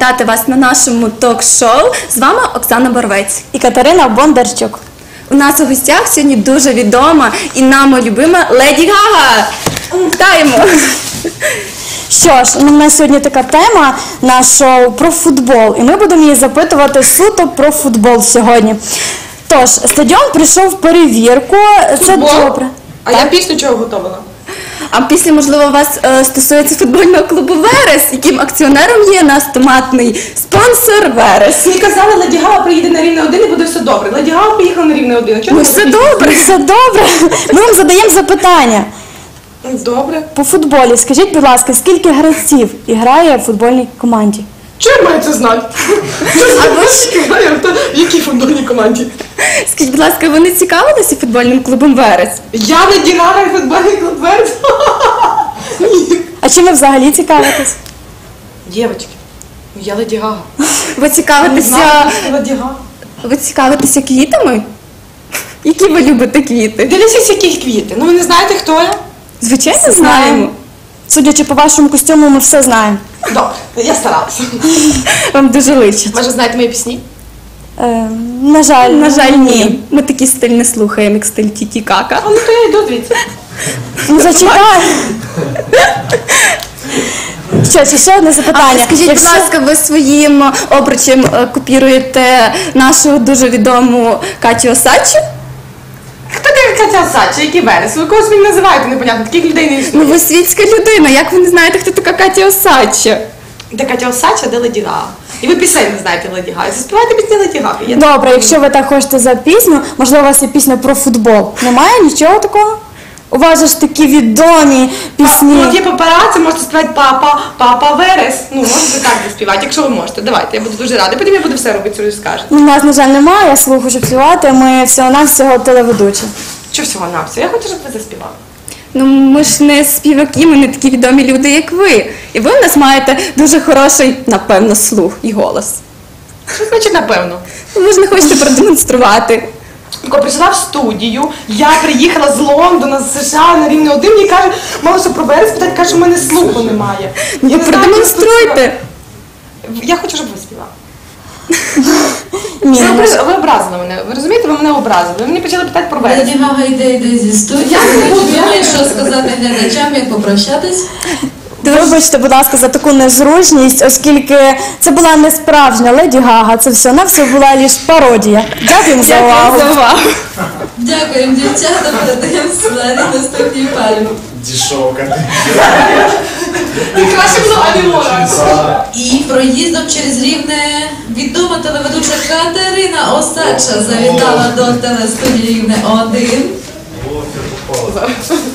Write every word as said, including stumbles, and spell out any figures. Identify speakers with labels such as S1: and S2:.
S1: привітати вас на нашому ток-шоу. З вами Оксана Боровець
S2: і Катерина Бондарчук.
S1: У нас у гостях сьогодні дуже відома і нами любима Леді Гага. Вітаємо!
S2: Що ж, у нас сьогодні така тема на шоу про футбол, і ми будемо її запитувати суто про футбол сьогодні. Тож, стадіон прийшов в перевірку, це
S3: Футбол?
S2: добре.
S3: А
S2: Так?
S3: я пісню чого готувала?
S1: А після, можливо, вас е, стосується футбольного клубу «Верес», яким акціонером є наш томатний спонсор «Верес».
S3: Мені казали, Леді Гага приїде на Рівне один і буде все добре. Леді Гага поїхала на Рівне один. Чого
S1: Ну
S3: не
S1: все
S3: буде
S1: добре.
S2: Все добре. Ми вам задаємо запитання.
S3: пісні? Добре.
S2: По футболі, скажіть, будь ласка, скільки гравців грає в футбольній команді?
S3: Чого я маю це знати? А ви ж знає, хто в якій футбольній команді?
S1: Скажіть, будь ласка, ви не цікавилися футбольним клубом «Верес»?
S3: Я Леді Гага і футбольний клуб Верес? Ні.
S2: А чим ви взагалі цікавитесь?
S3: Дівчатки, ну я Леді Гага.
S1: Ви
S3: Не
S1: цікавитеся,
S3: знаю, хто Леді Гага.
S1: ви цікавитеся квітами? Які ви любите квіти?
S3: Дивіться, які квіти. Ну ви не знаєте, хто я?
S1: Звичайно,
S2: Все
S1: знаємо.
S2: Судячи по вашому костюму, ми все знаємо.
S3: Добре, я старалася.
S1: Вам дуже личить.
S3: Може, знаєте мої пісні?
S2: Е, на жаль,
S1: На жаль, ні. Ми такий стиль не слухаємо, як стиль Тіті-Кака.
S3: А ну то я йду звідси.
S2: Ну, зачекай. Що, чи ще одне запитання?
S1: Скажіть, будь
S2: Якщо-
S1: ласка, ви своїм обручем е, копіруєте нашу дуже відому Катю Осадчу?
S3: Хто така Катя Осадча, який Верес? Ви когось мені називаєте непонятно, таких людей не
S1: Ну
S3: існує.
S1: ви світська людина, як ви не знаєте, хто така Катя Осадча?
S3: Де Катя Осадча, де Леді Гага. І ви пісень не знаєте Леді Гаги. Заспівайте пісні Леді Гаги. Я-
S2: Добре, якщо ви так хочете за пісню, можливо, у вас є пісня про футбол. Немає нічого такого? У вас же ж такі відомі пісні.
S3: Ну, от є папараці, можете співати папа, папа Верес. Ну, можете так заспівати, якщо ви можете. Давайте, я буду дуже рада. Потім я буду все робити, що ви скажете.
S2: У нас, на жаль, немає слуху, щоб співати, ми всього-навсього телеведучі.
S3: Що всього на все? Я хочу, щоб ви заспівали.
S1: Ну ми ж не співаки, ми не такі відомі люди, як ви. І ви в нас маєте дуже хороший, напевно, слух і голос.
S3: Що значить напевно?
S1: Ну, ви ж не хочете продемонструвати.
S3: Коли прийшла в студію, я приїхала з Лондона, з США на Рівне один, мені каже, мало що про Верес питати, каже, що в мене слуху немає.
S1: Ну
S3: Я не знаю,
S1: продемонструйте.
S3: Я хочу, щоб ви співали.
S2: Ні,
S3: Ви,
S2: на жаль.
S3: образ- ви образили мене, ви розумієте, ви мене образили. Ви мені почали питати про Верес.
S4: Леді Гага йде, йде зі студії.
S3: Я не
S4: Чи
S3: буду, я
S4: думаєш,
S3: не
S4: що сказати глядачам, як попрощатись?
S2: Вибачте, будь ласка, за таку незручність, оскільки це була не справжня Леді Гага, це все на все була лише пародія. Дякуємо за увагу.
S1: Дякую за увагу.
S4: Дякуємо, дівчата, передаємо слайди наступній парі.
S5: Дешевка.
S3: Краще було Алімора.
S4: І проїздом через Рівне відома телеведуча Катерина Осадча завітала до телестудії Рівне один.